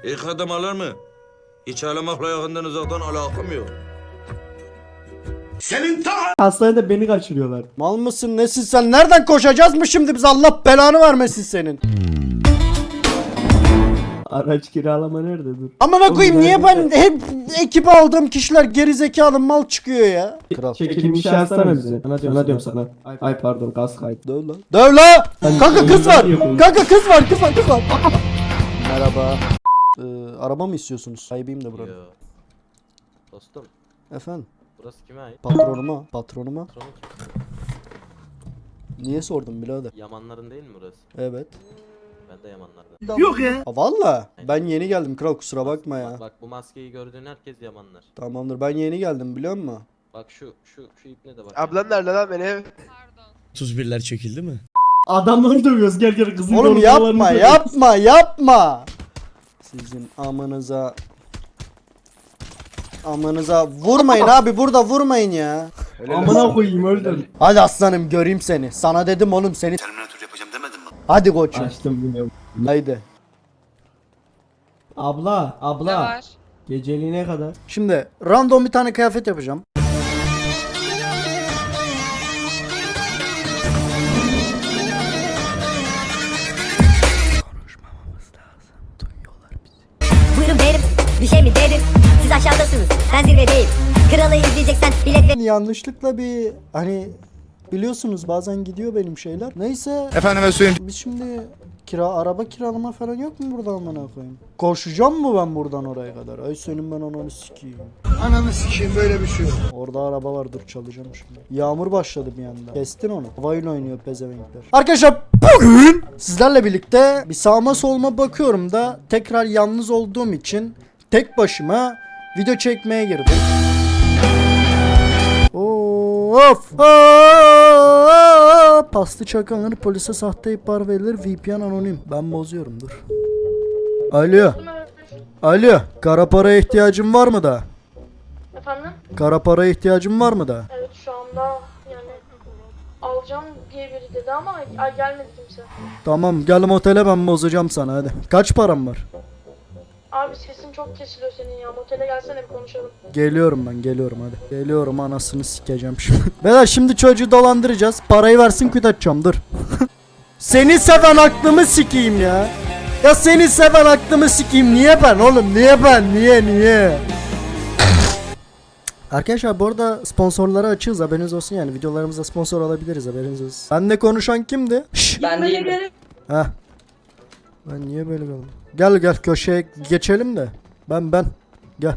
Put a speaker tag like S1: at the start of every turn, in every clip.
S1: İlk adım alır mı? Hiç ağlamakla yakından uzaktan alakam yok.
S2: Hastanede beni kaçırıyorlar.
S3: Mal mısın nesin sen? Nereden koşacağız mı şimdi biz? Allah belanı vermesin senin.
S2: Araç kiralama nerede dur?
S3: Amına koyayım niye ben hep ekibe aldığım kişiler gerizekalı mal çıkıyor ya? Kral.
S2: Çekilmiş şey yazsana bize. Sana diyorum sana. Ay pardon gaz kaydı.
S3: Döv lan. Döv lan. Kanka kız var.
S2: Yapıyorum.
S3: Kanka kız var. Merhaba. Araba mı istiyorsunuz? Sahibiyim de buranın.
S4: Yo. Dostum,
S3: Efendim?
S4: burası kime ait?
S3: Patronuma.
S4: Patronu kim?
S3: Niye sordun birader?
S4: Yamanların değil mi burası?
S3: Evet.
S4: Ben de Yamanlardan.
S3: Ha, valla. Ben yeni geldim kral kusura bakma ya.
S4: Bak bu maskeyi gördüğün herkes Yamanlar.
S3: Tamamdır ben yeni geldim biliyor musun?
S4: Bak şu ipne de bak.
S5: Ablan nerede lan benim?
S6: 31'ler çekildi mi?
S2: Adamları dövüyoruz gel kızın
S3: Oğlum
S2: yorumlarını
S3: yapma. Sizin amanıza vurmayın abi burada vurmayın ya.
S2: Amına koyayım öldür.
S3: Hadi aslanım göreyim seni. Sana dedim oğlum seni.
S1: Terminator yapacağım demedim mi?
S3: Hadi koçum.
S2: Açtım bilmiyorum.
S3: Haydi.
S2: Abla
S7: Ne var?
S2: geceliğine kadar.
S3: Şimdi random bir tane kıyafet yapacağım.
S8: Buyurun beyim, bir şey mi dedim? Siz aşağıdasınız, ben zirvedeyim. Kralı izleyeceksen bilet ver.
S3: Yanlışlıkla bir hani biliyorsunuz bazen gidiyor benim şeyler. Neyse.
S6: Efendime söyleyeyim.
S3: Biz şimdi araba kiralama falan yok mu burada amına koyayım? Koşacağım mı ben buradan oraya kadar? Ay senin ben ananı sikeyim.
S5: Ananı sikeyim böyle bir şey yok.
S3: Orada araba var dur çalacağım şimdi. Yağmur başladı bir anda. Kestin onu. Havayla oynuyor pezevenkler. Arkadaşlar bugün sizlerle birlikte bir sağma solma bakıyorum da tekrar yalnız olduğum için tek başıma video çekmeye girdim. Of! Paslı çakanları polise sahte ihbar verilir. VPN anonim. Ben bozuyorum dur. Alo. Kara paraya ihtiyacın var mı da?
S9: Efendim?
S3: Kara paraya ihtiyacın var mı da?
S9: Evet şu anda yani alacağım diye biri dedi ama gelmedi kimse.
S3: Tamam gel motele ben bozacağım sana hadi. Kaç param var?
S9: Abi sesin çok kesiliyor senin ya. Motele gelsene bir konuşalım.
S3: Geliyorum hadi. Geliyorum anasını sikeceğim şimdi. Beyler şimdi çocuğu dolandıracağız. Parayı versin küt dur. Seni seven aklımı sikeyim ya. Ya seni seven aklımı sikeyim. Niye ben oğlum? Niye? Arkadaşlar bu arada sponsorları açığız haberiniz olsun yani videolarımızda sponsor alabiliriz haberiniz olsun. Benle konuşan kimdi?
S9: Ben değilim.
S3: Heh. Ben niye böyle kaldım? Gel köşeye geçelim de. Ben. Gel.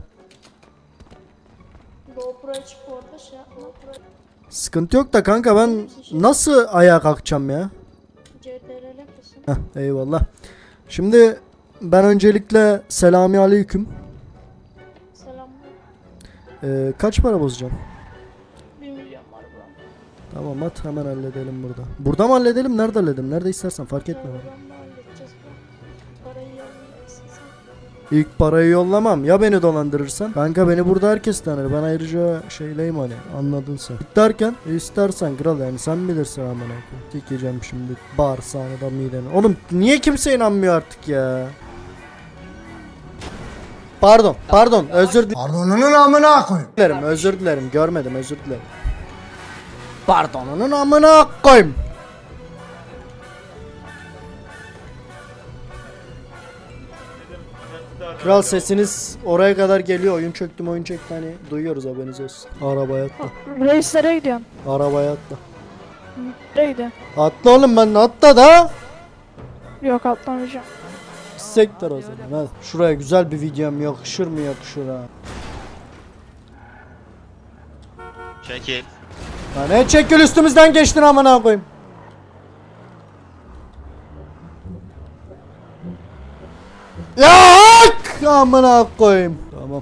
S9: GoPro'ya çık orada şey yapma.
S3: Sıkıntı yok da kanka ben nasıl ayağa kalkacağım ya?
S9: CTRL kısım.
S3: Heh, eyvallah. Şimdi ben öncelikle selami aleyküm.
S9: Selam.
S3: Kaç para bozacağım?
S9: 1 milyon var buram.
S3: Tamam at hemen halledelim burada. Burada mı halledelim? Nerede halledelim? Nerede istersen fark etme. bana.
S9: Buramda halledeceğiz bu. Parayı yollayacaksın sen.
S3: İlk parayı yollamam. Ya beni dolandırırsan? Kanka beni burada herkes tanır. Ben ayrıca şeyleyim hani. Anladın sen. Derken istersen kral yani sen bilirsin amına koyayım. Dikeceğim şimdi bağırsağını da mideni. Oğlum niye kimse inanmıyor artık ya? Pardon özür
S5: Pardonunun amına koyayım.
S3: dilerim. Özür dilerim. Görmedim özür dilerim. Pardonunun amına koyayım. Kral sesiniz oraya kadar geliyor. Oyun çöktü hani duyuyoruz haberiniz olsun. Arabaya atla.
S9: Reislere gidiyorum.
S3: Arabaya atla.
S9: Nereye gidiyorsun?
S3: Atla oğlum ben atla da.
S9: Yok atlamayacağım.
S3: Sektör o zaman. Hadi. Şuraya güzel bir videom yakışır mı yakışır ha.
S6: Çekil.
S3: Ya ne çekil üstümüzden geçtin amına koyayım. Ya amına koyayım. Tamam.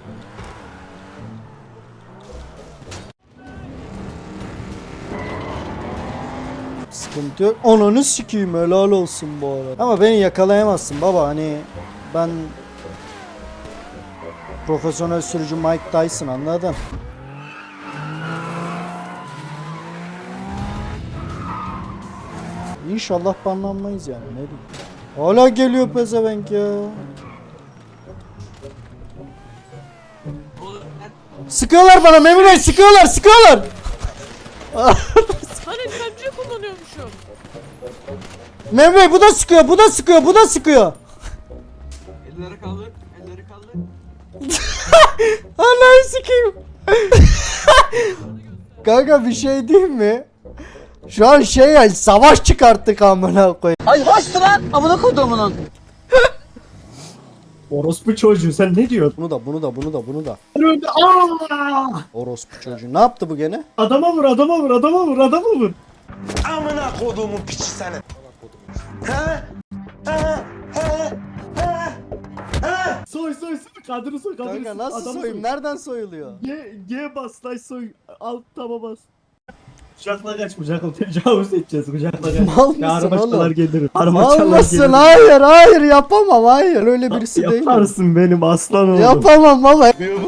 S3: Sıkıntı yok. Ananı sikeyim helal olsun bu arada. Ama beni yakalayamazsın baba hani ben profesyonel sürücü Mike Tyson anladın? İnşallah banlanmayız yani ne diyeyim. Hala geliyor pezevenk ya. Sıkıyorlar bana Memur Bey, sıkıyorlar.
S7: Hani pençe kullanıyormuşum.
S3: Memur Bey bu da sıkıyor.
S4: Elleri kaldır.
S3: Allah'ı sikeyim. Kanka bir şey diyeyim mi? Şu an ya savaş çıkarttık amına koyayım.
S2: Orospu çocuğu sen ne diyorsun?
S3: Bunu da.
S2: Aa!
S3: Orospu çocuğu. Ne yaptı bu gene?
S2: Adama vur.
S5: Amına koduğumun piçi senin.
S2: Soy kadını soy.
S3: Kanka nasıl soyayım? Nereden soyuluyor?
S2: G bas lan soy. Alt taba bas. Kucakla kaç tecavüz edeceğiz kucakla kaç.
S3: Mal mısın
S2: Ya armaçalar
S3: oğlum?
S2: gelirim.
S3: Almasın, hayır yapamam, hayır öyle birisi değilim.
S2: Yaparsın benim aslan oğlum.
S3: Yapamam baba.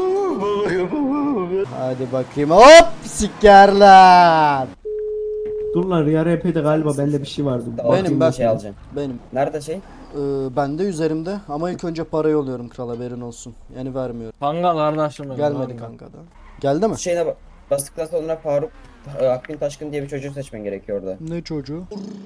S3: Hadi bakayım, hop sikerler.
S2: Dur lan Riya RP'de galiba bende bir şey vardı.
S3: Benim ben
S10: şey alacağım.
S3: Benim.
S10: Nerede şey?
S3: Bende üzerimde ama ilk önce parayı yolluyorum kral, haberin olsun. Yani vermiyorum.
S7: Kanka kardeşim.
S3: Gelmedi kanka da. Geldi mi?
S10: Şeyine bastıktan sonra Faruk Akgün Taşkın diye bir çocuğu seçmen gerekiyor orada.
S3: Ne çocuğu?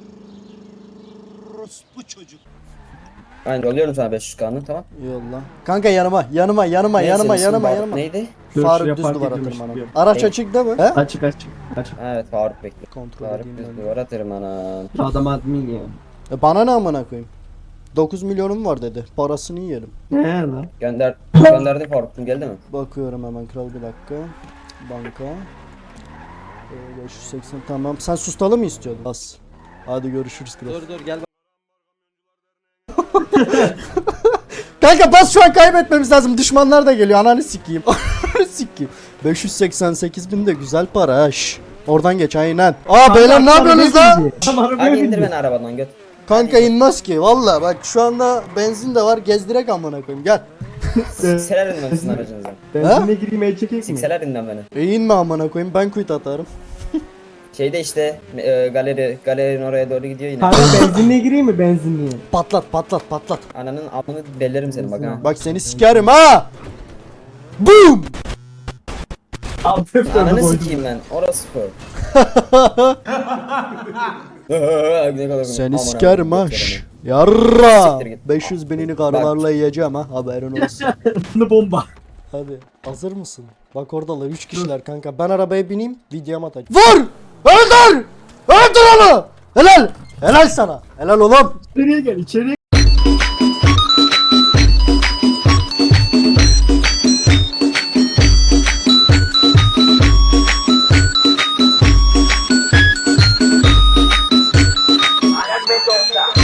S10: Aynen yolluyorum sana 500K'nı tamam.
S3: Yolla. Kanka yanıma.
S10: Neydi?
S2: Dur,
S3: Faruk
S2: şuraya
S3: düz
S2: park
S3: duvara
S2: edilmiş
S3: tırmanan.
S2: diyor.
S3: Araç
S10: Hey.
S3: açık değil mi? He?
S2: Açık.
S10: Evet Faruk bekliyor.
S3: Kontrol
S10: Faruk
S3: edeyim
S10: düz
S3: ben.
S10: duvara tırmanan.
S2: Adam admin ya.
S3: Bana ne amına koyayım? 9 milyonum var dedi. Parasını yiyelim.
S2: Ne lan?
S10: Gönderdi Faruk'cum geldi mi?
S3: Bakıyorum hemen kral, bir dakika. Banka. 580 tamam. Sen sustalı mı istiyordun? Bas. Hadi görüşürüz kral.
S4: Dur gel.
S3: Kanka bas, şu an kaybetmemiz lazım. Düşmanlar da geliyor. Ananı sikeyim. Ananı sikeyim. 588 bin de güzel para ha. Şş. Oradan geç aynen. Beyler ne yapıyorsunuz lan?
S10: Hadi indir beni arabadan göt.
S3: Kanka inmez ki. Valla bak şu anda benzin de var. Gezdirek amına koyayım. Gel.
S10: Sikseler inmem sizin aracınıza.
S2: Benzinle gireyim el çekeyim mi?
S10: Sikseler inmem beni.
S3: İnme amına koyayım. Ben quit atarım.
S10: Şeyde işte galerinin oraya doğru gidiyor yine.
S2: Kanka benzinle gireyim mi benzinliğe?
S3: Patlat.
S10: Ananın amını bellerim seni bak ha.
S3: Bak seni sikerim ha. Boom.
S2: Alt F4'e
S10: Ananı
S2: koydum.
S10: sikeyim ben. Orası spor.
S3: Seni sikerim ha. Şş. Yarra.
S10: Siktir git.
S3: 500 binini karılarla yiyeceğim ha. Haberin olsun.
S2: Bunu bomba.
S3: Hadi. Hazır mısın? Bak oradalar 3 kişiler kanka. Ben arabaya bineyim. Videomu atacağım. Vur! Öldür! Öldür onu! Helal! Helal sana. Helal oğlum.
S2: İçeriye gel.